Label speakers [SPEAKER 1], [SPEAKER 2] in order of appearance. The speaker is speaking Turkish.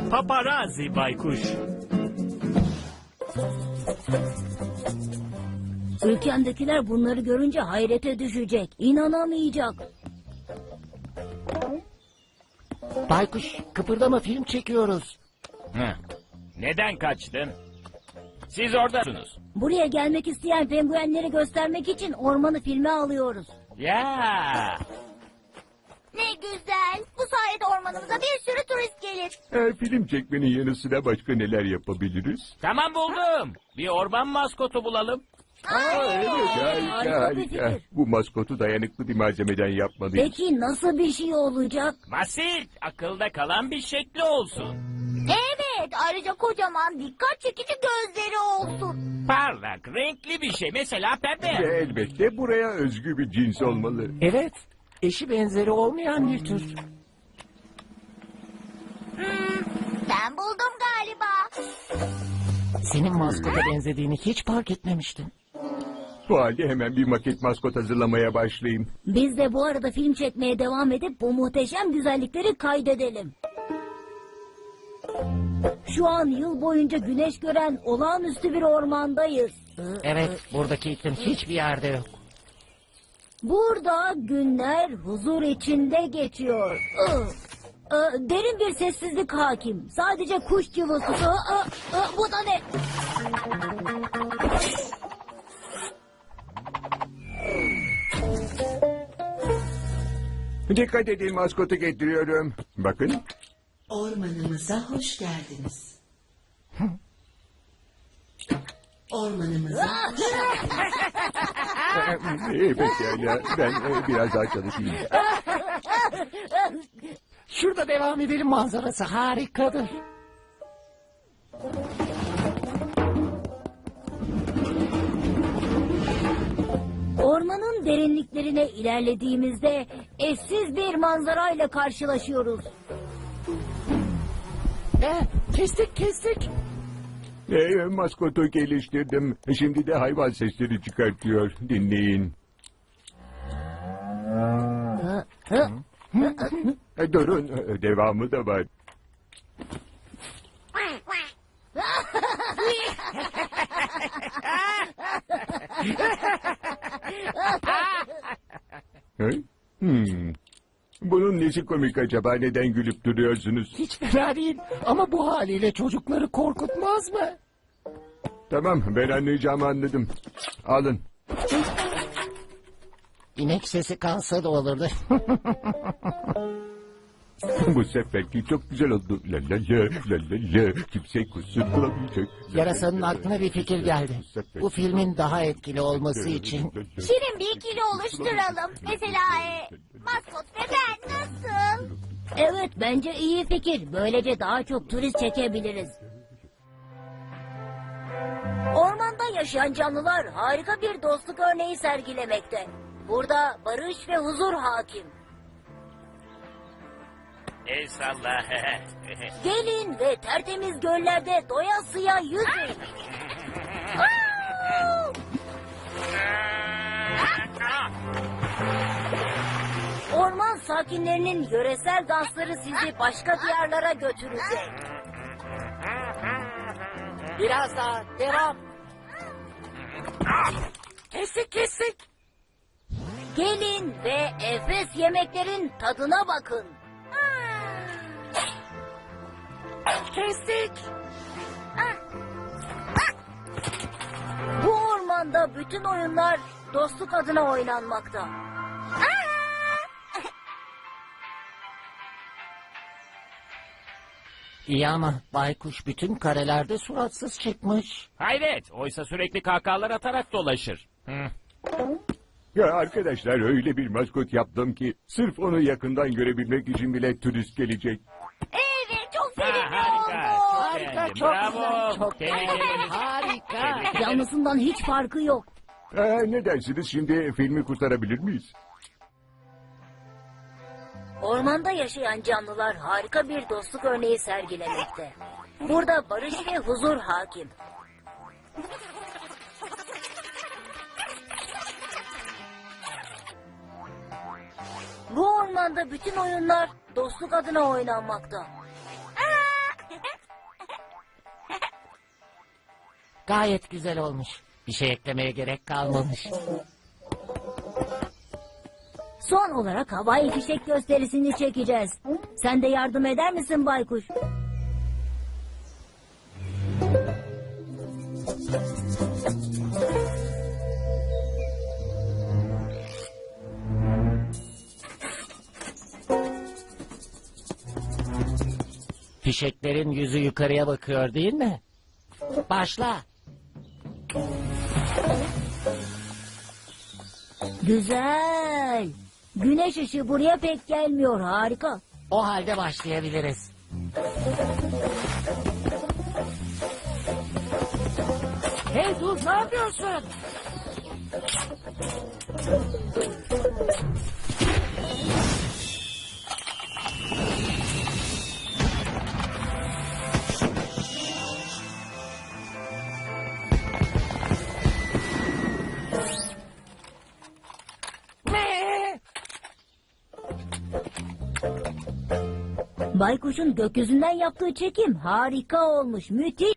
[SPEAKER 1] Paparazzi baykuş.
[SPEAKER 2] Ülkemdekiler bunları görünce hayrete düşecek. İnanamayacak.
[SPEAKER 3] Baykuş, kıpırdama, film çekiyoruz.
[SPEAKER 1] Neden kaçtın? Siz oradasınız.
[SPEAKER 2] Buraya gelmek isteyen penguenleri göstermek için ormanı filme alıyoruz.
[SPEAKER 1] Ya.
[SPEAKER 4] Ne güzel. Bu sayede ormanımıza bir sürü turist gelir.
[SPEAKER 5] Film çekmenin yanı sıra başka neler yapabiliriz?
[SPEAKER 1] Tamam buldum. Bir orman maskotu bulalım.
[SPEAKER 5] Evet,
[SPEAKER 2] harika bir
[SPEAKER 5] harika.
[SPEAKER 2] fikir.
[SPEAKER 5] Bu maskotu dayanıklı bir malzemeden yapmalıyız.
[SPEAKER 2] Peki nasıl bir şey olacak?
[SPEAKER 1] Basit, akılda kalan bir şekli olsun.
[SPEAKER 4] Evet, ayrıca kocaman dikkat çekici gözleri olsun.
[SPEAKER 1] Parlak, renkli bir şey. Mesela pembe.
[SPEAKER 5] Ve elbette buraya özgü bir cins olmalı.
[SPEAKER 3] Evet, eşi benzeri olmayan bir tür.
[SPEAKER 4] Ben buldum galiba.
[SPEAKER 3] Senin maskota benzediğini hiç fark etmemiştim.
[SPEAKER 5] Bu halde hemen bir maket maskot hazırlamaya başlayayım.
[SPEAKER 2] Biz de bu arada film çekmeye devam edip bu muhteşem güzellikleri kaydedelim. Şu an yıl boyunca güneş gören olağanüstü bir ormandayız.
[SPEAKER 3] Evet, buradaki iklim hiçbir yerde yok.
[SPEAKER 2] Burada günler huzur içinde geçiyor. Derin bir sessizlik hakim. Sadece kuş cıvıltısı. Bu da ne?
[SPEAKER 5] Dikkat edin, maskotu getiriyorum. Bakın.
[SPEAKER 6] Ormanımıza hoş geldiniz. Ormanımıza hoş geldiniz.
[SPEAKER 5] Pekala, ben biraz daha çalışayım.
[SPEAKER 3] Şurada devam edelim, manzarası harikadır.
[SPEAKER 2] Ormanın derinliklerine ilerlediğimizde eşsiz bir manzarayla karşılaşıyoruz.
[SPEAKER 3] Kestik.
[SPEAKER 5] Maskotu geliştirdim. Şimdi de hayvan sesleri çıkartıyor. Dinleyin. Durun, devamı da var. Bunun nesi komik acaba? Neden gülüp duruyorsunuz?
[SPEAKER 3] Hiç fena değil ama bu haliyle çocukları korkutmaz mı?
[SPEAKER 5] Tamam, ben anlayacağımı anladım. Alın.
[SPEAKER 3] İnek sesi kalsa da olurdu.
[SPEAKER 5] Bu seferki çok güzel oldu. La la la la la la. Kimse kusur bulamayacak.
[SPEAKER 3] Yarasanın aklına bir fikir geldi. Bu filmin daha etkili olması için
[SPEAKER 4] Şirin bir ikili oluşturalım. Mesela maskot ve ben nasıl?
[SPEAKER 2] Evet, bence iyi fikir. Böylece daha çok turist çekebiliriz. Ormanda yaşayan canlılar harika bir dostluk örneği sergilemekte. Burada barış ve huzur hakim.
[SPEAKER 1] El salla.
[SPEAKER 2] Gelin ve tertemiz göllerde doyasıya yüzün. Orman sakinlerinin yöresel dansları sizi başka diyarlara götürecek.
[SPEAKER 3] biraz daha devam. Kestik.
[SPEAKER 2] Gelin ve enfes yemeklerin tadına bakın.
[SPEAKER 3] Kestik.
[SPEAKER 2] Bu ormanda bütün oyunlar dostluk adına oynanmakta.
[SPEAKER 3] İyi ama baykuş bütün karelerde suratsız çıkmış.
[SPEAKER 1] Hayret, oysa sürekli kahkahalar atarak dolaşır.
[SPEAKER 5] Ya arkadaşlar, öyle bir maskot yaptım ki sırf onu yakından görebilmek için bile turist gelecek.
[SPEAKER 4] Evet, çok sevimli
[SPEAKER 1] Harika,
[SPEAKER 4] oldu.
[SPEAKER 1] çok beğendim. Bravo.
[SPEAKER 3] Çok
[SPEAKER 1] Tebrik ederiz.
[SPEAKER 3] harika.
[SPEAKER 2] Yalnızından hiç farkı yok.
[SPEAKER 5] Ne dersiniz, şimdi filmi kurtarabilir miyiz?
[SPEAKER 2] Ormanda yaşayan canlılar harika bir dostluk örneği sergilemekte. Burada barış ve huzur hakim. Bu ormanda bütün oyunlar dostluk adına oynanmakta.
[SPEAKER 3] Gayet güzel olmuş. Bir şey eklemeye gerek kalmamış.
[SPEAKER 2] Son olarak havai fişek gösterisini çekeceğiz. Sen de yardım eder misin baykuş?
[SPEAKER 3] Fişeklerin yüzü yukarıya bakıyor değil mi? Başla.
[SPEAKER 2] Güzel. Güneş ışığı buraya pek gelmiyor. Harika.
[SPEAKER 3] O halde başlayabiliriz. Hey dur, ne yapıyorsun? Ne?
[SPEAKER 2] Baykuşun gökyüzünden yaptığı çekim harika olmuş. Müthiş.